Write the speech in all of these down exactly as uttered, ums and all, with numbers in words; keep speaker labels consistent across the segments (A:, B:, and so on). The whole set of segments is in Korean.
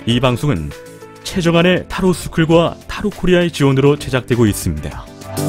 A: 이 방송은 최정안의 타로스쿨과 타로코리아의 지원으로 제작되고 있습니다.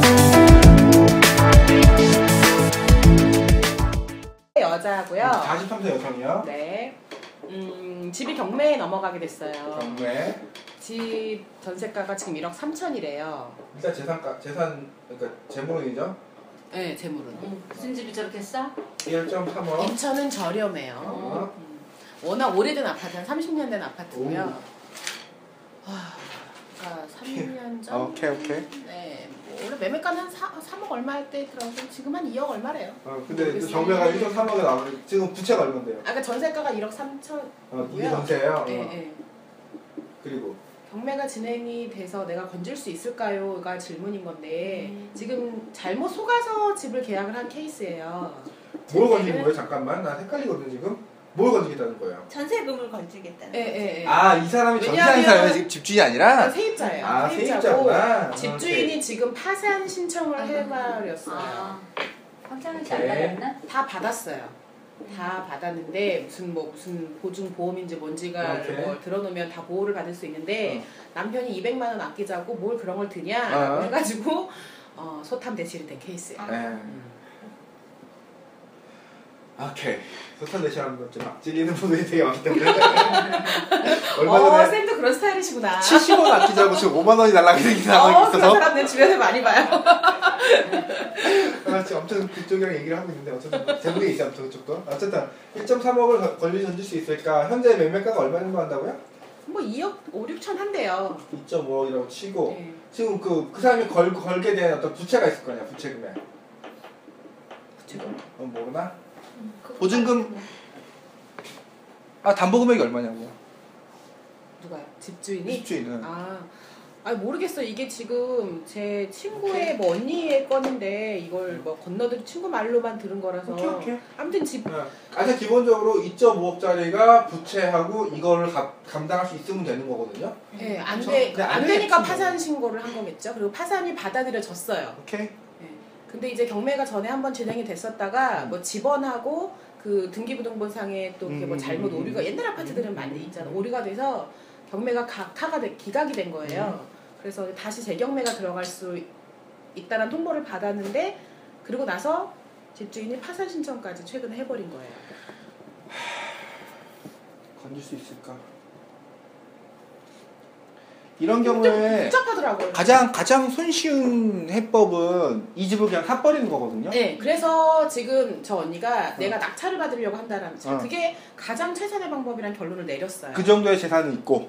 B: 여자고요.
C: 사십삼 세 여성이요.
B: 네. 음, 집이 경매에 넘어가게 됐어요.
C: 경매.
B: 집 전세가가 지금 일억 삼천이래요.
C: 일단 재산가, 재산, 그러니까 재물이죠?
B: 네, 재물은.
D: 음, 무슨 집이 저렇게 싸?
C: 일 점 삼억.
B: 인천은 저렴해요.
C: 어.
B: 음, 워낙 오래된 아파트, 한 삼십 년 된 아파트고요. 와, 그러니까 삼 년 전.
C: 오케이, 오케이.
B: 네, 뭐 원래 매매가는 한 삼억 얼마 할 때 들어가서 지금 한 이억 얼마래요.
C: 어, 근데 그 경매가 일 점 삼억에 나오는 지금 부채가 얼마인데요?
B: 아까 전세가가 일억 삼천.
C: 어, 이게 전세예요?
B: 네,
C: 어.
B: 네.
C: 그리고
B: 경매가 진행이 돼서 내가 건질 수 있을까요?가 질문인 건데
D: 음.
B: 지금 잘못 속아서 집을 계약을 한 케이스예요.
C: 뭘 건지는 거예요? 잠깐만, 나 헷갈리거든 지금. 뭘 건지겠다는 거예요?
D: 전세금을 건지겠다는
B: 예, 예, 예.
C: 아, 이 사람이
B: 왜냐하면-
C: 전세사예요? 지금 집주인이 아니라?
B: 세입자예요.
C: 아,
B: 세입자고
C: 세입자구나.
B: 집주인이
C: 오케이.
B: 지금 파산 신청을 해버렸어요.
D: 아, 확장을
C: 오케이.
D: 잘 받았나?
B: 다 받았어요. 다 받았는데 무슨 뭐 무슨 보증 보험인지 뭔지가
C: 오케이.
B: 뭐 들어놓으면 다 보호를 받을 수 있는데
C: 어.
B: 남편이 이백만 원 아끼자고 뭘 그런 걸 드냐라고
C: 어.
B: 해가지고 어, 소탐 대실이 된 케이스예요.
D: 아.
C: 네. 오케이. 소탈 대시하는 것좀 찔리는 분들이 되게 많기 때문에. 얼마
B: 어,
C: 전에
B: 쌤도 그런 스타일이시구나.
C: 칠십 원 아끼자고 지금 오만 원이 날라가게 된 상황이
B: 어, 그런
C: 있어서.
B: 사람 내 주변에 많이 봐요.
C: 아, 지금 엄청 그쪽이랑 얘기를 하고 있는데 어쨌든 재물이 있어 아무튼 그쪽도. 어쨌든 일 점 삼억을 권리 던질 수 있을까? 현재 매매가가 얼마 정도 한다고요?
B: 뭐 이억 오, 육천 한대요.
C: 이 점 오억이라고 치고
B: 네.
C: 지금 그, 그 사람이 걸, 걸게 된 어떤 부채가 있을 거 아니야, 부채 금액.
B: 지금
C: 어, 모르나?
D: 음, 그거
C: 보증금-
D: 뭐.
C: 아, 담보 금액이 얼마냐고.
B: 누가요? 집주인이?
C: 집주인은.
B: 아, 아 모르겠어. 이게 지금 제 친구의 뭐 언니의 건인데 이걸 뭐 건너들 친구 말로만 들은 거라서.
C: 오케이, 오케이.
B: 아무튼 집.
C: 네. 가장 기본적으로 이 점 오억짜리가 부채하고 이거를 가, 감당할 수 있으면 되는 거거든요.
B: 예, 안
C: 그쵸?
B: 돼.
C: 그냥
B: 안
C: 안
B: 되니까
C: 되겠지,
B: 파산
C: 뭐.
B: 신고를 한 거겠죠. 그리고 파산이 받아들여졌어요.
C: 오케이.
B: 예. 근데 이제 경매가 전에 한번 진행이 됐었다가 뭐 집원하고 그 등기부등본상에 또 이렇게 뭐
C: 음,
B: 잘못
C: 음,
B: 오류가 옛날 아파트들은 많이 있잖아. 오류가 돼서 경매가 각하가 돼, 기각이 된 거예요. 그래서 다시 재경매가 들어갈 수 있다는 통보를 받았는데 그리고 나서 집주인이 파산 신청까지 최근에 해버린 거예요.
C: 건질 수 있을까? 이런
B: 좀
C: 경우에
B: 복잡하더라고요.
C: 가장 가장 손쉬운 해법은 이 집을 그냥 사버리는 거거든요.
B: 네, 그래서 지금 저 언니가 내가 낙찰을 받으려고 한다는
C: 어.
B: 그게 가장 최선의 방법이란 결론을 내렸어요.
C: 그 정도의 재산은 있고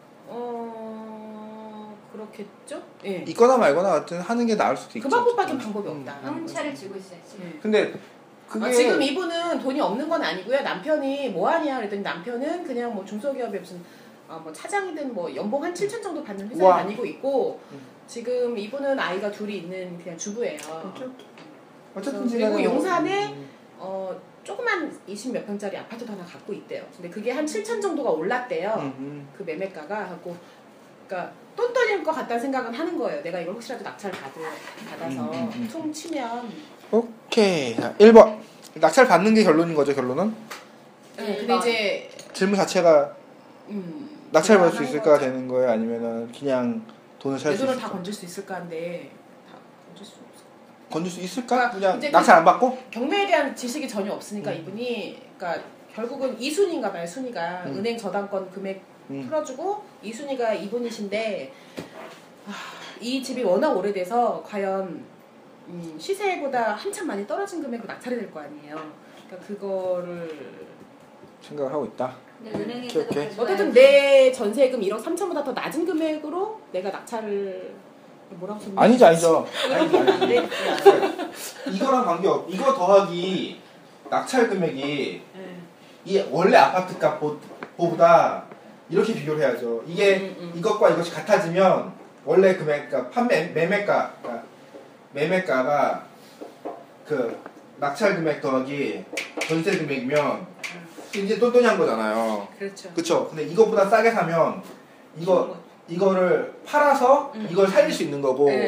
B: 어 그렇겠죠? 예.
C: 있거나 말거나 같은 하는 게 나을 수도 있죠.
B: 그 방법밖에 방법이
C: 음.
B: 없다.
D: 형차를 쥐고 있어야지.
B: 예.
C: 근데 그게
B: 아, 지금 이분은 돈이 없는 건 아니고요. 남편이 뭐 하냐 그랬더니 남편은 그냥 뭐 중소기업에 무슨 아, 뭐 차장이든 뭐 연봉 한 칠천 정도 받는 회사에
C: 우와.
B: 다니고 있고
C: 음.
B: 지금 이분은 아이가 둘이 있는 그냥 주부예요.
C: 오케이, 오케이. 어쨌든
B: 그리고
C: 지금
B: 용산에
C: 음.
B: 어 조그만 이십 몇 평짜리 아파트도 하나 갖고 있대요. 근데 그게 한 칠천 정도가 올랐대요.
C: 음, 음.
B: 그 매매가가 하고 그러니까 똔똔일 것 같다는 생각은 하는 거예요. 내가 이걸 혹시라도 낙찰을 받을, 받아서
C: 음, 음, 음.
B: 퉁 치면
C: 오케이. 자, 일 번 낙찰 받는 게 결론인 거죠, 결론은?
B: 네, 근데 이제
C: 질문 자체가
B: 음,
C: 낙찰 받을 수
B: 불안한
C: 있을까
B: 거죠.
C: 되는 거예요? 아니면은 그냥 돈을
B: 내
C: 살 수
B: 돈을
C: 있을까?
B: 다 건질 수 있을까 한데 다 건질 수 없어.
C: 건질 수 있을까?
B: 그러니까
C: 그냥
B: 이제
C: 낙찰 안 받고?
B: 경매에 대한 지식이 전혀 없으니까
C: 음.
B: 이분이 그러니까 결국은 이 순위인가 봐요. 순위가
C: 음.
B: 은행 저당권 금액
C: 음.
B: 풀어주고 이 순위가 이분이신데 아, 이 집이 워낙 오래돼서 과연 음, 시세보다 한참 많이 떨어진 금액으로 낙찰이 될 거 아니에요. 그러니까 그거를
C: 생각을 하고 있다.
D: 근데 은행에서도
C: 오케이, 오케이.
D: 가져와야지.
B: 어쨌든 내 전세금 일억 삼천보다 더 낮은 금액으로 내가 낙찰을 뭐라고 썼나?
C: 아니죠, 아니죠. 아니죠,
B: 안
C: 아니죠.
B: 돼.
C: 이거랑 관계없. 이거 더하기 낙찰 금액이
B: 네.
C: 이 원래 아파트 값보다 이렇게 비교를 해야죠. 이게
B: 음, 음.
C: 이것과 이것이 같아지면 원래 금액, 그러니까 판매 매매가, 그러니까 매매가가 그 낙찰 금액 더하기 전세 금액이면 이제 똔똔이 한 거잖아요.
B: 그렇죠.
C: 그쵸? 근데 이것보다 싸게 사면 이거 이거를 팔아서
B: 음.
C: 이걸 살릴 수 있는 거고
B: 네.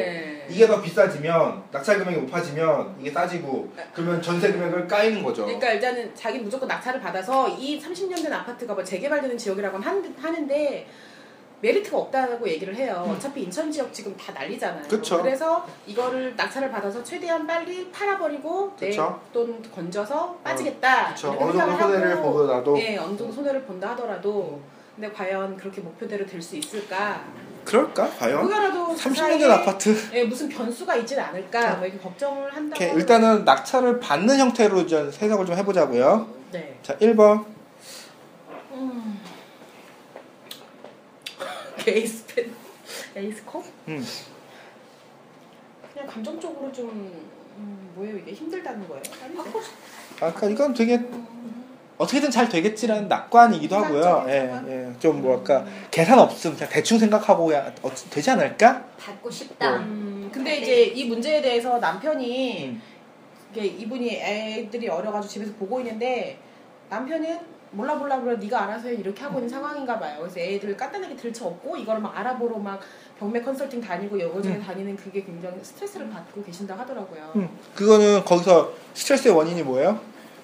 C: 이게 더 비싸지면 낙찰 금액이 높아지면 이게 싸지고 그러면 전세 금액을 까이는 거죠.
B: 그러니까 일단은 자기 무조건 낙찰을 받아서 이 삼십 년 된 아파트가 뭐 재개발되는 지역이라고 하는- 하는데 메리트가 없다고 얘기를 해요.
C: 음.
B: 어차피 인천 지역 지금 다 난리잖아요.
C: 그쵸.
B: 그래서 이거를 낙찰을 받아서 최대한 빨리 팔아버리고
C: 그쵸.
B: 내 돈 건져서 빠지겠다.
C: 그렇죠.
B: 이렇게
C: 어느 정도
B: 생각을
C: 손해를
B: 하고,
C: 보더라도
B: 네, 어느 정도 손해를 본다 하더라도 근데 과연 그렇게 목표대로 될 수 있을까?
C: 그럴까 과연?
B: 그거라도
C: 삼십 년 된 아파트.
B: 예, 무슨 변수가 있진 않을까? 뭐 이렇게 걱정을 한다고.
C: 이렇게 일단은 낙찰을 받는 형태로 좀 해석을 좀 해보자고요.
B: 네.
C: 자, 일 번.
B: 음. 에이스 펜, 에이스 컵?
C: 음.
B: 그냥 감정적으로 좀 음, 뭐예요 이게 힘들다는 거예요? 아닌데?
C: 아까 그러니까 이건 되게 어떻게든 잘 되겠지라는 낙관이기도 하고요.
B: 낙관적인
C: 예,
B: 낙관?
C: 예. 좀 뭐랄까 계산 없음 그냥 대충 생각하고 그냥 어, 되지 않을까?
D: 받고 싶다.
B: 음, 근데 이제 이 문제에 대해서 남편이
C: 음.
B: 이게 이분이 애들이 어려가지고 집에서 보고 있는데 남편은 몰라 몰라 몰라 네가 알아서 해 이렇게 하고 있는 상황인가 봐요. 그래서 애들 간단하게 들쳐 없고 이거를 막 알아보러 막 경매 컨설팅 다니고 여기저기
C: 음.
B: 다니는 그게 굉장히 스트레스를 받고 계신다 하더라고요.
C: 음. 그거는 거기서 스트레스의 원인이 뭐예요?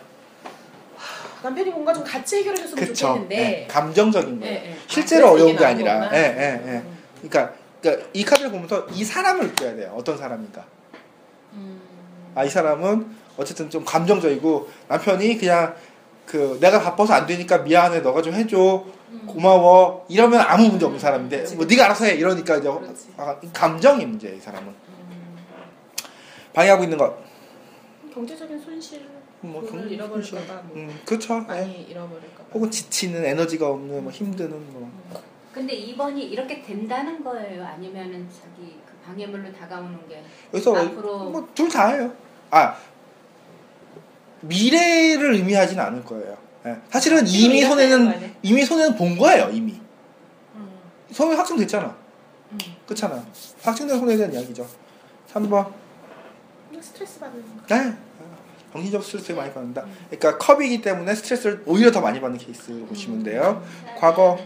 B: 남편이 뭔가 좀 같이 해결해줬으면
C: 그쵸.
B: 좋겠는데
C: 예, 감정적인 거예요.
B: 예, 예.
C: 실제로
B: 아, 그래서
C: 어려운
B: 이게
C: 게
B: 나온
C: 아니라.
B: 거구나.
C: 예, 예, 예.
B: 음.
C: 그러니까, 그러니까 이 카드를 보면서 이 사람을 느껴야 돼요. 어떤 사람인가.
B: 음.
C: 아, 이 사람은 어쨌든 좀 감정적이고 남편이 그냥 그 내가 바빠서 안 되니까 미안해 너가 좀 해줘
B: 음.
C: 고마워 이러면 아무 문제 없는 사람인데
B: 그치,
C: 뭐
B: 그치.
C: 네가 알아서 해 이러니까 이제
B: 그렇지.
C: 아, 감정이 문제 이 사람은
B: 음.
C: 방해하고 있는 것
B: 경제적인 손실
C: 뭐
B: 돈을
C: 경-
B: 잃어버릴까봐 뭐
C: 음, 그렇죠. 예.
B: 많이 잃어버릴까봐
C: 혹은 지치는 에너지가 없는 뭐 힘드는 뭐
D: 근데 이 번이 이렇게 된다는 거예요? 아니면은 자기 그 방해물로 다가오는 게
C: 여기서
D: 앞으로
C: 뭐 둘 다예요. 아 미래를 의미하지는 않을 거예요. 예. 사실은 이미
B: 이해가 되는 거
C: 손해는
B: 아니야?
C: 이미 손해는 본 거예요 이미
B: 음.
C: 손해 확정됐잖아.
B: 음.
C: 그렇잖아. 확정된 손해에 대한 이야기죠. 삼 번.
B: 그냥 스트레스 받는 거.
C: 네. 정신적 스트레스를 많이 받는다. 그러니까 컵이기 때문에 스트레스를 오히려 더 많이 받는 케이스로 보시면 돼요. 과거.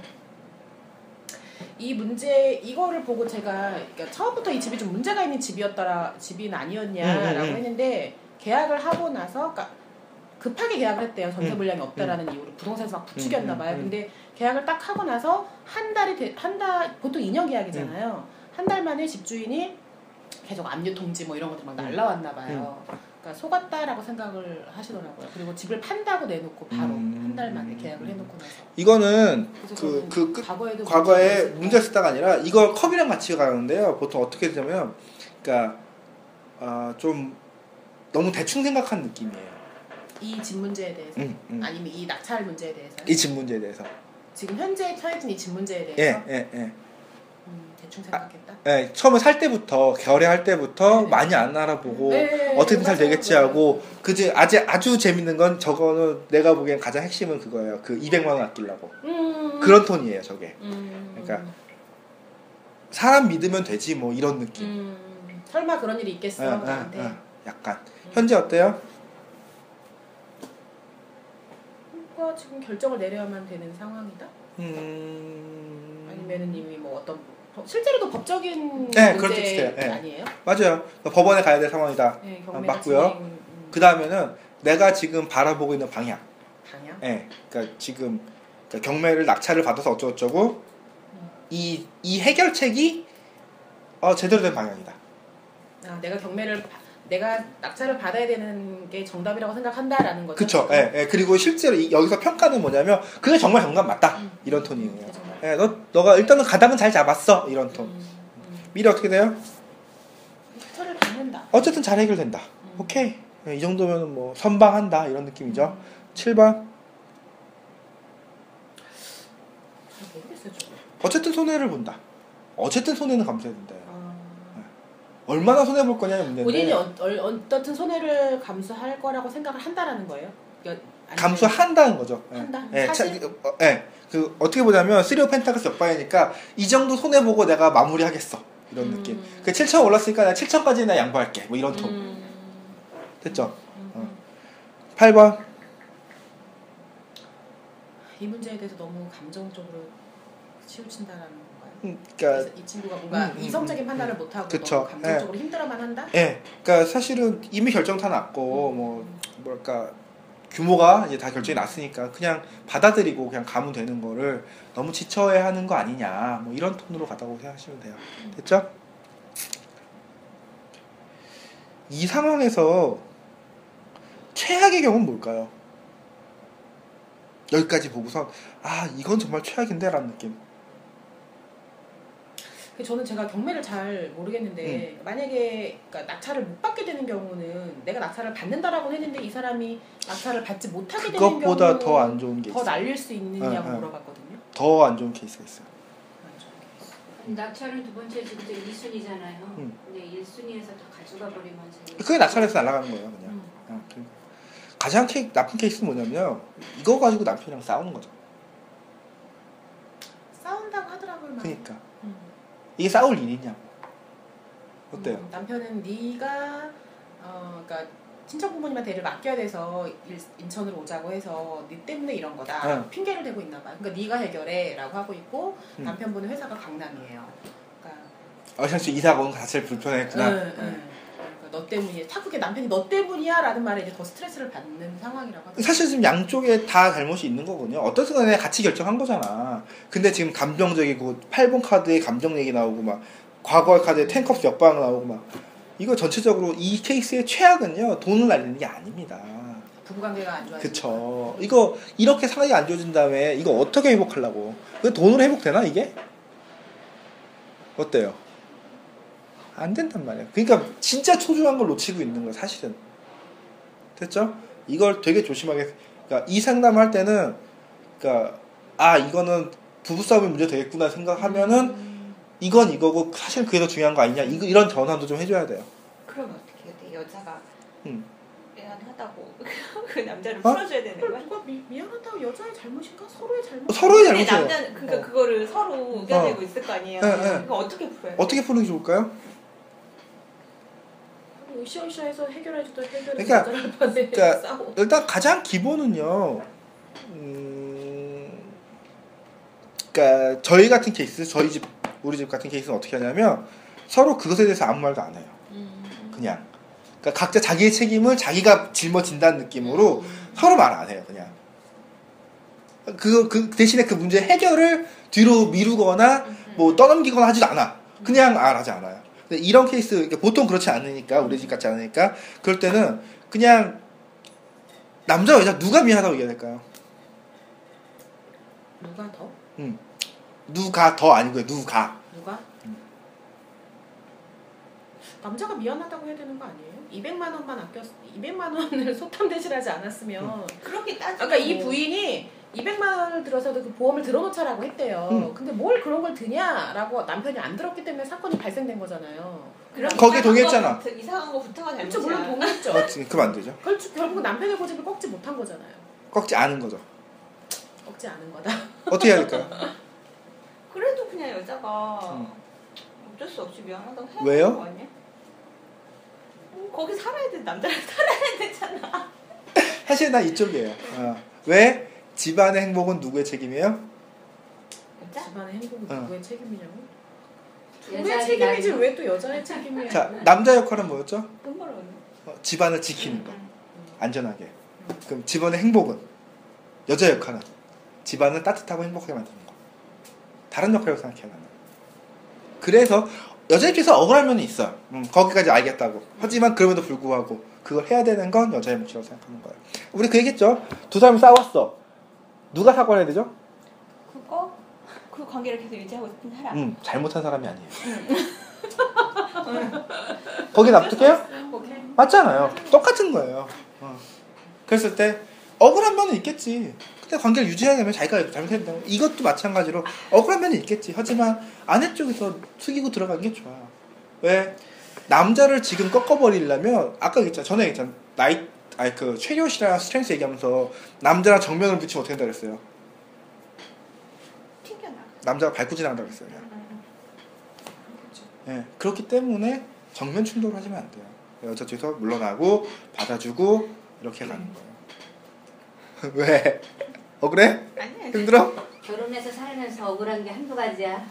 B: 이 문제 이거를 보고 제가 그러니까 처음부터 이 집이 좀 문제가 있는 집이었더라 집이 아니었냐라고
C: 음, 음, 음.
B: 했는데 계약을 하고 나서 그러니까 급하게 계약을 했대요. 전세
C: 음,
B: 물량이 없다라는 이유로 부동산에서 막 부추겼나 봐요.
C: 음, 음, 음.
B: 근데 계약을 딱 하고 나서 한 달이 한 달 보통 이 년 계약이잖아요.
C: 음.
B: 한 달 만에 집주인이 계속 압류 통지 뭐 이런 것들 막
C: 음.
B: 날라왔나 봐요. 그러니까 속았다라고 생각을 하시더라고요. 그리고 집을 판다고 내놓고 바로
C: 음.
B: 한 달 만에 계약을 해놓고 나서.
C: 이거는
B: 그래서
C: 그,
B: 저는
C: 그, 끝-
B: 과거에도
C: 과거에
B: 문제가
C: 문제 쓰다가 아니라 이걸 컵이랑 같이 가는데요. 보통 어떻게 되냐면, 그러니까 어, 좀 너무 대충 생각한 느낌이에요.
B: 이 집 문제에 대해서
C: 음, 음.
B: 아니면 이 낙찰 문제에 대해서
C: 이 집 문제에 대해서.
B: 지금 현재 처해진 이 집 문제에
C: 예,
B: 대해서
C: 예, 예.
B: 음, 대충 생각했다.
C: 예, 처음에 살 때부터 거래할 때부터
B: 네.
C: 많이 안 알아보고
B: 네,
C: 어떻게든 잘
B: 맞아요,
C: 되겠지
B: 맞아요.
C: 하고 그지 아주 아주 재밌는 건 저거는 내가 보기엔 가장 핵심은 그거예요. 그 이백만 원 아끼려고
B: 음,
C: 그런 톤이에요, 저게.
B: 음,
C: 그러니까 사람 믿으면 되지 뭐 이런 느낌.
B: 음, 설마 그런 일이 있겠어
C: 아, 아,
B: 나한테.
C: 아, 약간 현재 어때요?
B: 그러니까 지금 결정을 내려야만 되는 상황이다.
C: 음...
B: 아니면은 이미 뭐 어떤 법- 실제로도 법적인
C: 네,
B: 문제
C: 그렇죠, 비슷해요. 네.
B: 아니에요?
C: 맞아요. 법원에 가야 될 상황이다.
B: 네,
C: 아,
B: 경매가
C: 맞고요.
B: 진행, 음,
C: 그 다음에는 내가 지금 바라보고 있는 방향.
B: 방향.
C: 예, 그러니까 지금 그러니까 경매를 낙찰을 받아서 어쩌고저쩌고 이, 이 해결책이 어, 제대로 된 방향이다.
B: 아, 내가 경매를 바- 내가 낙찰을 받아야 되는 게 정답이라고 생각한다라는 거죠.
C: 그쵸.
B: 지금?
C: 예, 예. 그리고 실제로 이, 여기서 평가는 뭐냐면 그게 정말 정답 맞다.
B: 음.
C: 이런 톤이에요.
B: 그게 정말.
C: 예, 너, 너가 일단은 가닥은 잘 잡았어. 이런 톤.
B: 음, 음.
C: 미래 어떻게 돼요?
B: 차를 받는다.
C: 어쨌든 잘 해결된다.
B: 음.
C: 오케이. 예, 이 정도면 뭐 선방한다. 이런 느낌이죠.
B: 음.
C: 칠 번.
B: 잘 모르겠어요, 저거.
C: 어쨌든 손해를 본다. 어쨌든 손해는 감수해야 된다.
B: 아,
C: 얼마나 손해 볼 거냐의 문제인데.
B: 본인이 어, 어, 어떻든 손해를 감수할 거라고 생각을 한다라는 거예요? 그러니까 아니면-
C: 감수한다는 거죠. 예.
B: 한다?
C: 예,
B: 사실?
C: 차- 어, 예. 그 어떻게 보자면 쓰리오 펜타클스 역방이니까 이 정도 손해 보고 내가 마무리하겠어. 이런
B: 음.
C: 느낌. 그 칠천 올랐으니까 내가 칠천까지는 나 양보할게. 뭐 이런 톤.
B: 음,
C: 됐죠?
B: 음,
C: 어.
B: 음.
C: 팔 번.
B: 이 문제에 대해서 너무 감정적으로 치우친다라는 건가요?
C: 음, 그러니까
B: 그래서 이 친구가 뭔가
C: 음, 음,
B: 이성적인
C: 음,
B: 판단을
C: 음.
B: 못하고
C: 그쵸.
B: 너무 감정적으로 힘들어만 한다?
C: 예, 그러니까 사실은 이미 결정 다 났고 뭐 뭐랄까 규모가 이제 다 결정이 났으니까 그냥 받아들이고 그냥 가면 되는 거를 너무 지쳐해하는 거 아니냐 뭐 이런 톤으로 가다고 생각하시면 돼요. 됐죠? 이 상황에서 최악의 경우는 뭘까요? 여기까지 보고서 아 이건 정말 최악인데 라는 느낌.
B: 저는 제가 경매를 잘 모르겠는데
C: 음.
B: 만약에 그러니까 낙찰을 못 받게 되는 경우는 내가 낙찰을 받는다라고 했는데 이 사람이 낙찰을 받지 못하게 되는 경우는
C: 그것보다 더 안 좋은 게
B: 더
C: 있어요.
B: 날릴 수 있느냐고
C: 응, 응.
B: 물어봤거든요.
C: 더 안 좋은 케이스가 있어요.
B: 안 좋은 케이스.
D: 낙찰은 두 번째 지금도 일 순위잖아요.
C: 음.
D: 근데 일 순위에서 다 가져가 버리면 제일
C: 그게 낙찰해서 날아가는 거예요 그냥.
B: 음.
C: 어, 그 가장 케이, 나쁜 케이스는 뭐냐면 이거 가지고 남편이랑 싸우는 거죠.
B: 싸운다고 하더라고요. 막.
C: 그러니까
B: 음.
C: 이게 싸울 일이냐고. 어때요?
B: 음, 남편은 네가 어 그러니까 친척 부모님한테 애를 맡겨야 돼서 일, 인천으로 오자고 해서 네 때문에 이런 거다.
C: 응.
B: 핑계를 대고 있나 봐. 그러니까 네가 해결해라고 하고 있고
C: 음.
B: 남편분은 회사가 강남이에요. 그러니까
C: 어, 사실 이사가 온 거 자체를 불편했구나.
B: 응, 응. 그러니까 너 때문이야. 자꾸 그게 남편이 너 때문이야라는 말에 이제 더 스트레스를 받는 상황이라고 하더라고요.
C: 사실 지금 양쪽에 다 잘못이 있는 거거든요. 어떤 순간에 같이 결정한 거잖아. 근데 지금 감정적이고 팔 번 카드에 감정 얘기 나오고 막 과거의 카드에 텐컵스 역방 나오고 막 이거 전체적으로 이 케이스의 최악은요 돈을 날리는 게 아닙니다.
B: 부부관계가 안 좋아지고.
C: 그쵸. 이거 이렇게 상황이 안 좋아진 다음에 이거 어떻게 회복하려고? 그 돈으로 회복되나 이게? 어때요? 안 된단 말이야. 그러니까 진짜 소중한 걸 놓치고 있는 거야 사실은. 됐죠? 이걸 되게 조심하게. 그러니까 이 상담할 때는, 그러니까 아 이거는 부부싸움의 문제 되겠구나 생각하면은
B: 음.
C: 이건 이거고 사실 그게 더 중요한 거 아니냐. 이거 이런 전환도 좀 해줘야 돼요.
E: 그럼 어떻게 해야 돼? 여자가
C: 음.
E: 미안하다고 그 남자를
C: 어?
E: 풀어줘야 되는 거야?
B: 누가 미, 미안하다고 여자의 잘못인가? 서로의 잘못.
C: 서로의
E: 근데
C: 잘못이에요.
E: 남자는 그러니까
C: 어.
E: 그거를 서로 의견내고 있을 거 아니에요.
C: 네, 네.
E: 그거 어떻게 풀어요?
C: 어떻게 푸는 게 좋을까요?
B: 으쌰으쌰해서 해결해주던 해결을
C: 그러니까-
B: 여자한테
C: 그러니까
B: 싸워.
C: 일단 가장 기본은요. 음, 그러니까 저희 같은 케이스, 저희 집, 우리 집 같은 케이스는 어떻게 하냐면 서로 그것에 대해서 아무 말도 안 해요.
B: 음.
C: 그냥. 그러니까 각자 자기의 책임을 자기가 짊어진다는 느낌으로
B: 음.
C: 서로 말 안 해요. 그냥. 그, 그 대신에 그 문제 해결을 뒤로 미루거나 뭐 떠넘기거나 하지도 않아. 그냥 안 하지 않아요. 근데 이런 케이스 그러니까 보통 그렇지 않으니까 우리 집 같지 않으니까 그럴 때는 그냥 남자 여자 누가 미안하다고 얘기해야 될까요?
B: 누가 더?
C: 음. 누가 더 아니고요. 누가.
B: 누가?
C: 음.
B: 남자가 미안하다고 해야 되는 거 아니에요? 이백만 원만 아꼈 이백만 원을 소탐 대신하지 않았으면
C: 음.
E: 그렇게 따지고
B: 아까 이 부인이 이백만 원을 들어서도 그 보험을 들어놓자라고 했대요.
C: 음.
B: 근데 뭘 그런 걸 드냐라고 남편이 안 들었기 때문에 사건이 발생된 거잖아요.
E: 그럼
C: 거기에
E: 이상한
C: 동의했잖아.
E: 거부터- 이상한 거부터가
B: 그렇죠.
E: 잘못이야.
B: 물론 동의했죠.
C: 어, 지금 그럼 안 되죠.
B: 결, 결국 남편의 고집을 꺾지 못한 거잖아요.
C: 꺾지 않은 거죠.
B: 꺾지 않은 거다.
C: 어떻게 해야 될까요?
E: 그래도 그냥 여자가
C: 음.
E: 어쩔 수 없이 미안하다고 해야
C: 왜요?
E: 되는 거 아니야? 음, 거기 살아야 돼. 남자랑 살아야 되잖아.
C: 사실 나 이쪽이에요. 어. 왜? 집안의 행복은 누구의 책임이에요?
E: 여자?
B: 집안의 행복은
C: 어.
B: 누구의 책임이냐고?
D: 여자의
B: 누구의 책임이지
D: 나이-
B: 왜 또 여자의 책임이야?
C: 자, 남자 역할은 뭐였죠?
E: 돈 벌어.
C: 어, 집안을 지키는 거.
E: 응.
C: 안전하게. 그럼 집안의 행복은? 여자 역할은? 집안을 따뜻하고 행복하게 만드는 거. 다른 역할이라고 생각해요, 나는. 그래서 여자 입장에서 억울한 면이 있어. 음, 거기까지 알겠다고. 하지만 그럼에도 불구하고 그걸 해야 되는 건 여자의 몫이라고 생각하는 거예요. 우리 그 얘기했죠? 두 사람이 싸웠어. 누가 사과를 해야 되죠?
E: 그거 그 관계를 계속 유지하고 싶은 사람.
C: 음, 잘못한 사람이 아니에요. 거기 납득해요?
B: 오케이.
C: 맞잖아요. 똑같은 거예요. 어. 그랬을 때 억울한 면은 있겠지. 근데 관계를 유지하려면 자기가 잘못해야 된다고. 이것도 마찬가지로 억울한 면은 있겠지. 하지만 아내 쪽에서 숙이고 들어가는 게 좋아요. 왜? 남자를 지금 꺾어버리려면 아까 얘기했잖아. 전에 얘기했잖아. 나이, 아니 그 최료 씨랑 스트렝스 얘기하면서 남자랑 정면을 붙이면 어떻게 된다 그랬어요?
E: 튕겨나.
C: 남자가 밟고 지나간다고 그랬어요. 예, 그렇기 때문에 정면 충돌을 하시면 안 돼요. 여자 쪽에서 물러나고 받아주고 이렇게 가는 거예요. 왜? 억울해?
E: 아니야.
C: 힘들어?
D: 결혼해서 살면서 억울한 게 한두 가지야.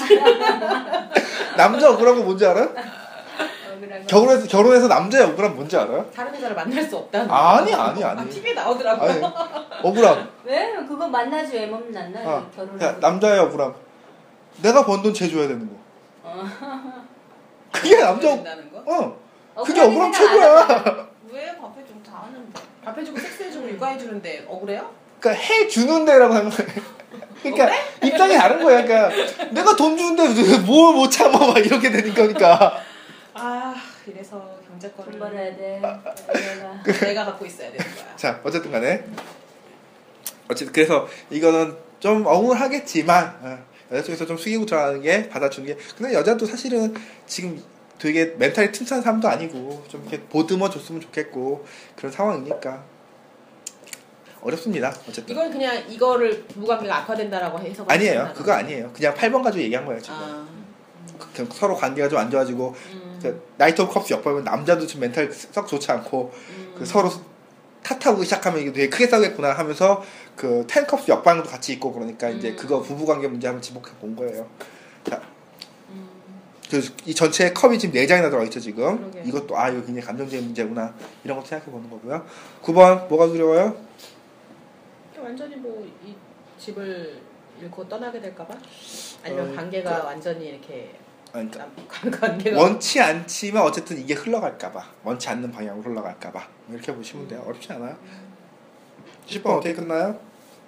C: 남자 억울한 거 뭔지 알아요?
D: 억울한 거.
C: 결혼해서 결혼해서 남자의 억울한 뭔지 알아요?
B: 다른 여자를 만날 수 없다는.
C: 아니 아니
B: 아,
C: 아니.
B: 티비에 나오더라고요.
C: 아니 억울함.
D: 왜? 그거 만나지 왜 만나?
C: 아,
D: 결혼.
C: 야, 남자의 억울함. 내가 번 돈 쟤줘야 되는 거.
D: 어.
C: 그게 남자 억-
B: 된다는 거?
C: 어. 그게
D: 억울하게
C: 억울함
D: 생각 안
C: 최고야.
D: 하잖아.
E: 왜 밥해 좀 다 하는데?
B: 밥 해주고 섹스해주고 육아해주는데 억울해요?
C: 그러니까 해주는 데라고 하는 거야. 그러니까 입장이 다른 거야. 그러니까 내가 돈 주는데 뭘 못 참아 막 이렇게 되는 거니까.
B: 아 이래서 경제권을
D: 돈 벌어야 돼. 내가.
B: 내가 갖고 있어야 되는 거야.
C: 자 어쨌든 간에 어쨌든 그래서 이거는 좀 억울하겠지만 어, 여자 쪽에서 좀 숙이고 들어가는 게 받아주는 게 근데 여자도 사실은 지금 되게 멘탈이 튼튼한 사람도 아니고 좀 이렇게 보듬어 줬으면 좋겠고 그런 상황이니까 어렵습니다. 어쨌든
B: 이건 그냥 이거를 부부관계가 악화된다라고 해서
C: 아니에요. 그거 아니에요. 그냥 팔 번 가지고 얘기한 거예요 지금.
B: 아,
C: 그- 서로 관계가 좀 안 좋아지고
B: 음,
C: 그 나이트 오브 컵스 역보면 남자도 지금 멘탈 썩 좋지 않고
B: 음.
C: 그 서로 탓하고 시작하면 이게 되게 크게 싸우겠구나 하면서 그 텐컵스 역방도 같이 있고 그러니까 이제
B: 음.
C: 그거 부부관계 문제 한번 지목해 본 거예요. 자,
B: 음.
C: 그래서 이 전체 컵이 지금 네 장이나 들어가 있죠 지금.
B: 그러게요.
C: 이것도 아 이거 굉장히 감정적인 문제구나 이런 것도 생각해 보는 거고요. 구 번 뭐가 두려워요?
B: 완전히 뭐 이 집을 잃고 떠나게 될까봐? 아니면
C: 어,
B: 관계가
C: 그-
B: 완전히 이렇게
C: 아니, 그러니까
B: 남- 관계가
C: 원치 않지만 어쨌든 이게 흘러갈까봐 원치 않는 방향으로 흘러갈까봐 이렇게 보시면 돼요. 어렵지 않아요. 십 번 어떻게 끝나요?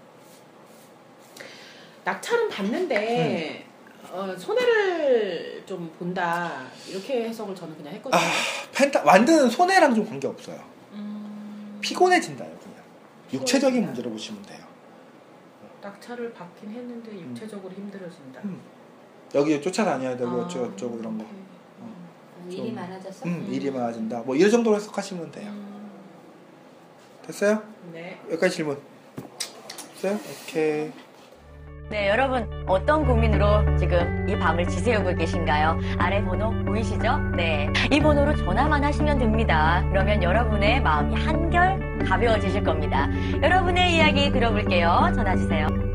B: 낙찰은 받는데
C: 음.
B: 어, 손해를 좀 본다 이렇게 해석을 저는 그냥 했거든요.
C: 아 펜타 완드는 손해랑 좀 관계 없어요.
B: 음,
C: 피곤해진다요 그냥. 육체적인
B: 피곤해진다.
C: 문제로 보시면 돼요.
B: 낙찰을 받긴 했는데 육체적으로 힘들어진다.
C: 음. 여기 쫓아다녀야 되고
B: 아,
C: 어쩌고 저쩌고 이런 거.
B: 오케이.
D: 음, 일이
C: 좀-
D: 많아졌어?
C: 음,
B: 음.
C: 일이 많아진다. 뭐 이런 정도로 해석하시면 돼요.
B: 음,
C: 됐어요?
B: 네.
C: 여기까지 질문. 됐어요? 오케이.
F: 네, 여러분 어떤 고민으로 지금 이 밤을 지새우고 계신가요? 아래 번호 보이시죠? 네, 이 번호로 전화만 하시면 됩니다. 그러면 여러분의 마음이 한결 가벼워지실 겁니다. 여러분의 이야기 들어볼게요. 전화 주세요.